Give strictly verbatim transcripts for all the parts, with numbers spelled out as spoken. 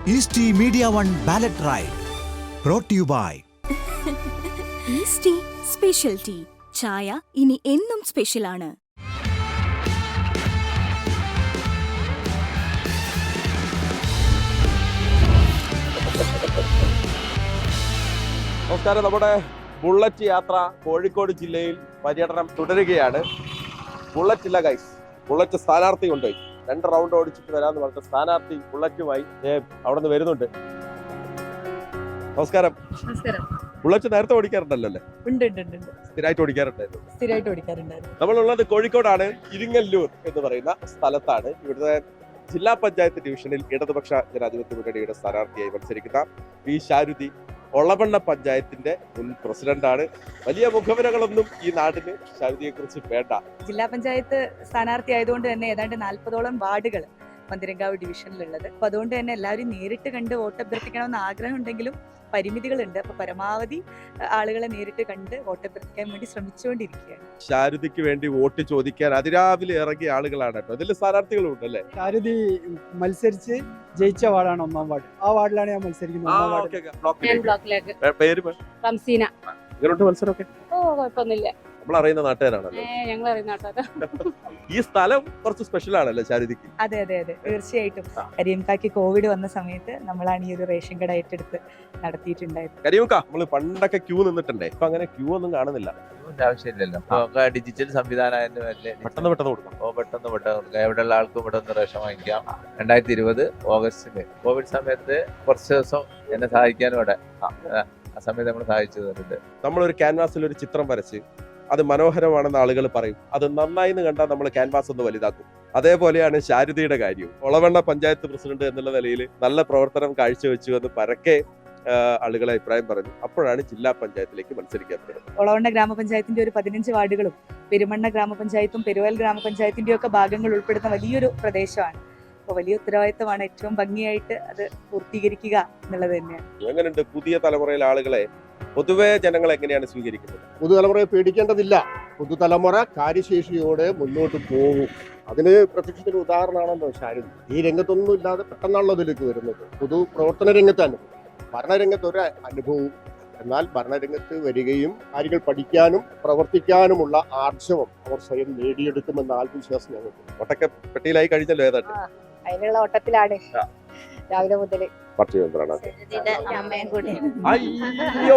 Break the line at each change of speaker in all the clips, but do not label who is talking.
ഈസ്റ്റി media one ballot ride brought to you by
Eastea special tea. ചായ ഇനി എന്നും സ്പെഷ്യലാണ്.
നമസ്കാരം. നമ്മുടെ ബുള്ളറ്റ് യാത്ര കോഴിക്കോട് ജില്ലയിൽ പര്യടനം തുടരുകയാണ്. ബുള്ളറ്റ് ഇല്ല ഗൈസ്, ബുള്ളറ്റ് സ്ഥാനാർത്ഥി കൊണ്ടുപോയി രണ്ട് റൗണ്ട് ഓടിച്ചിട്ട് വരാന്ന് പറഞ്ഞ സ്ഥാനാർത്ഥി ബുള്ളറ്റുമായി അവിടെ നിന്ന് വരുന്നുണ്ട്. നമസ്കാരം. ബുള്ളറ്റ് നേരത്തെ ഓടിക്കാറുണ്ടല്ലോ അല്ലേ? സ്ഥിരമായിട്ട് ഓടിക്കാറുണ്ടായിരുന്നു.
സ്ഥിരമായിട്ട് ഓടിക്കാറുണ്ടായിരുന്നു.
നമ്മളുള്ളത് കോഴിക്കോടാണ്, ഇരിങ്ങല്ലൂർ എന്ന് പറയുന്ന സ്ഥലത്താണ്. ഇവിടുത്തെ ജില്ലാ പഞ്ചായത്ത് ഡിവിഷനിൽ ഇടതുപക്ഷ ജനാധിപത്യ മുന്നണിയുടെ സ്ഥാനാർത്ഥിയായി മത്സരിക്കുന്ന പി ശാരുതി ഒളവണ്ണ പഞ്ചായത്തിന്റെ മുൻ പ്രസിഡന്റാണ്. വലിയ മുഖവരകളൊന്നും ഈ നാടിന് ശാരുതിയെ കുറിച്ച് വേണ്ട.
ജില്ലാ പഞ്ചായത്ത് സ്ഥാനാർത്ഥി ആയതുകൊണ്ട് തന്നെ ഏതാണ്ട് നാൽപ്പതോളം വാർഡുകൾ മന്ദിരങ്കാവ് ഡിവിഷനിലുള്ളത്. അപ്പൊ അതുകൊണ്ട് തന്നെ എല്ലാവരും നേരിട്ട് കണ്ട് വോട്ട് അഭ്യർത്ഥിക്കണമെന്ന് ആഗ്രഹം ഉണ്ടെങ്കിലും പരിമിതികളുണ്ട്. അപ്പൊ പരമാവധി ആളുകളെ നേരിട്ട് കണ്ട് വോട്ട് അഭ്യർത്ഥിക്കാൻ വേണ്ടി ശ്രമിച്ചുകൊണ്ടിരിക്കുകയാണ്.
ശാരുതിക്ക് വേണ്ടി വോട്ട് ചോദിക്കാൻ അതിരാവിലെ ഇറങ്ങിയ ആളുകളാണ് കേട്ടോ. അതിൽ സ്ഥാനാർത്ഥികളും ഉണ്ടല്ലേ?
ശാരുതി മത്സരിച്ച് ജയിച്ച വാർഡാണ് ഒന്നാം വാർഡ്. ആ വാർഡിലാണ് ഞാൻ മത്സരിക്കുന്നത്.
പേര്
റംസീന.
മത്സരമൊക്കെ
ഓ കുഴപ്പമൊന്നുമില്ല.
നമ്മൾ അറിയുന്ന നാട്ടുകാരാണല്ലോ.
ഞങ്ങൾ അറിയുന്ന നാട്ടുകാരാ.
ഈ സ്ഥലം കുറച്ച് സ്പെഷ്യൽ ആണല്ലോ ശാരുതിക്ക്.
അതെ അതെ അതെ തീർച്ചയായിട്ടും. കരിയംകാക്ക് കോവിഡ് വന്ന സമയത്ത് നമ്മളാണ് ഈ ഒരു റേഷൻ കട ഏറ്റെടുത്ത് നടത്തിയിട്ടുണ്ടായത്.
കരിയംക നമ്മള് പണ്ടൊക്കെ ക്യൂ നിന്നിട്ടുണ്ടേ, ഇപ്പൊ അങ്ങനെ ക്യൂ ഒന്നും കാണുന്നില്ല.
ആവശ്യമില്ലല്ലോ. ഡിജിറ്റൽ സംവിധാനം
പെട്ടെന്ന് പെട്ടെന്ന് കൊടുക്കാം.
ഓ പെട്ടെന്ന് പെട്ടെന്ന് കൊടുക്കാം. എവിടെയുള്ള ആൾക്കും ഇവിടെ ഒന്ന് റേഷൻ വാങ്ങിക്കാം. രണ്ടായിരത്തി ഇരുപത് ഓഗസ്റ്റില് കോവിഡ് സമയത്ത് കുറച്ച് ദിവസം എന്നെ സഹായിക്കാനും ഇവിടെ ആ സമയത്ത് നമ്മൾ സഹായിച്ചു തന്നിട്ടുണ്ട്.
നമ്മളൊരു ക്യാൻവാസിൽ ഒരു ചിത്രം വരച്ച് അത് മനോഹരമാണെന്ന് ആളുകൾ പറയും. അത് നന്നായി എന്ന് കണ്ടാൽ നമ്മൾ ക്യാൻവാസ് ഒന്ന് വലുതാക്കും. അതേപോലെയാണ് ശാരുതിയുടെ കാര്യം. ഒളവണ്ണ പഞ്ചായത്ത് പ്രസിഡന്റ് എന്നുള്ള നിലയിൽ നല്ല പ്രവർത്തനം കാഴ്ചവെച്ചു എന്ന് പരക്കെ ആളുകളെ അഭിപ്രായം പറഞ്ഞു. അപ്പോഴാണ് ജില്ലാ പഞ്ചായത്തിലേക്ക് മത്സരിക്കാൻ പറ്റുന്നത്.
ഒളവണ്ണ ഗ്രാമപഞ്ചായത്തിന്റെ ഒരു പതിനഞ്ച് വാർഡുകളും പെരുമണ്ണ ഗ്രാമപഞ്ചായത്തും പെരുവൽ ഗ്രാമപഞ്ചായത്തിന്റെയും ഒക്കെ ഭാഗങ്ങൾ ഉൾപ്പെടുന്ന വലിയൊരു പ്രദേശമാണ്. അപ്പോൾ വലിയ ഉത്തരവാദിത്തമാണ്. ഏറ്റവും ഭംഗിയായിട്ട് അത് പൂർത്തീകരിക്കുക എന്നുള്ളത് തന്നെയാണ്.
എങ്ങനെയുണ്ട് പുതിയ തലമുറയിലെ ആളുകളെ പൊതുവെ ജനങ്ങൾ എങ്ങനെയാണ് സ്വീകരിക്കുന്നത്?
പുതുതലമുറയെ പേടിക്കേണ്ടതില്ല. പുതുതലമുറ കാര്യശേഷിയോടെ മുന്നോട്ട് പോകും. അതിന് പ്രത്യക്ഷത്തിന് ഉദാഹരണമാണല്ലോ ശാരുതി. ഈ രംഗത്തൊന്നും ഇല്ലാതെ പെട്ടെന്നാണല്ലോ അതിലേക്ക് വരുന്നത്. പൊതു പ്രവർത്തന രംഗത്ത് അനുഭവം, ഭരണരംഗത്ത് ഒരു അനുഭവവും, എന്നാൽ ഭരണരംഗത്ത് വരികയും കാര്യങ്ങൾ പഠിക്കാനും പ്രവർത്തിക്കാനുമുള്ള ആർജവം അവർ സ്വയം നേടിയെടുക്കുമെന്ന ആത്മവിശ്വാസം ഞങ്ങൾക്ക്.
ഒട്ടൊക്കെ പെട്ടിയിലായി കഴിഞ്ഞല്ലോ. ഏതാണ്ട്
അതിനുള്ള ഓട്ടത്തിലാണ് രാവിലെ മുതല്.
പാർട്ടി മെമ്പറാണ്.
അമ്മയും കൂടി.
അയ്യോ,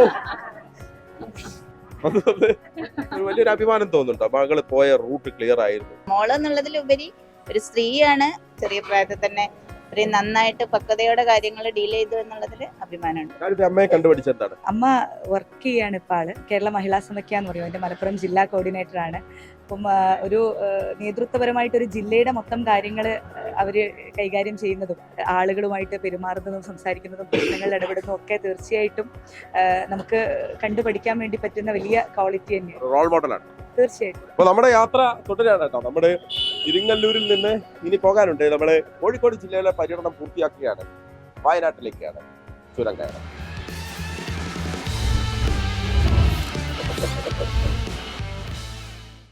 വലിയൊരു അഭിമാനം തോന്നുന്നുണ്ടോ? മകള് പോയ റൂട്ട് ക്ലിയർ ആയിരുന്നു.
മോള് എന്നുള്ളതിലുപരി ഒരു സ്ത്രീയാണ്. ചെറിയ പ്രായത്തിൽ തന്നെ ഇത്രയും നന്നായിട്ട് പക്വതയോടെ കാര്യങ്ങൾ ഡീൽ ചെയ്തു എന്നുള്ളതിൽ അഭിമാനമുണ്ട്.
അമ്മയെ കണ്ടുപിടിച്ച എന്താണ്?
അമ്മ വർക്ക് ചെയ്യാണ് ഇപ്പൊ ആള്. കേരള മഹിളാ സമാഖ്യ എന്ന് പറയും. എന്റെ മലപ്പുറം ജില്ലാ കോർഡിനേറ്റർ ആണ്. അപ്പം ഒരു നേതൃത്വപരമായിട്ട് ഒരു ജില്ലയുടെ മൊത്തം കാര്യങ്ങൾ അവര് കൈകാര്യം ചെയ്യുന്നതും ആളുകളുമായിട്ട് പെരുമാറുന്നതും സംസാരിക്കുന്നതും പ്രശ്നങ്ങളിൽ ഇടപെടുന്നതും ഒക്കെ തീർച്ചയായിട്ടും നമുക്ക് കണ്ടുപഠിക്കാൻ വേണ്ടി പറ്റുന്ന വലിയ ക്വാളിറ്റി തന്നെയാണ്.
റോൾ മോഡലാണ്
തീർച്ചയായിട്ടും.
അപ്പൊ നമ്മുടെ യാത്ര തുടരാണ് കേട്ടോ. നമ്മുടെ ഇരിങ്ങല്ലൂരിൽ നിന്ന് ഇനി പോകാനുണ്ട്. നമ്മള് കോഴിക്കോട് ജില്ലയിലെ പര്യടനം പൂർത്തിയാക്കുകയാണ്. വയനാട്ടിലേക്കാണ് ചുരം കയറാൻ.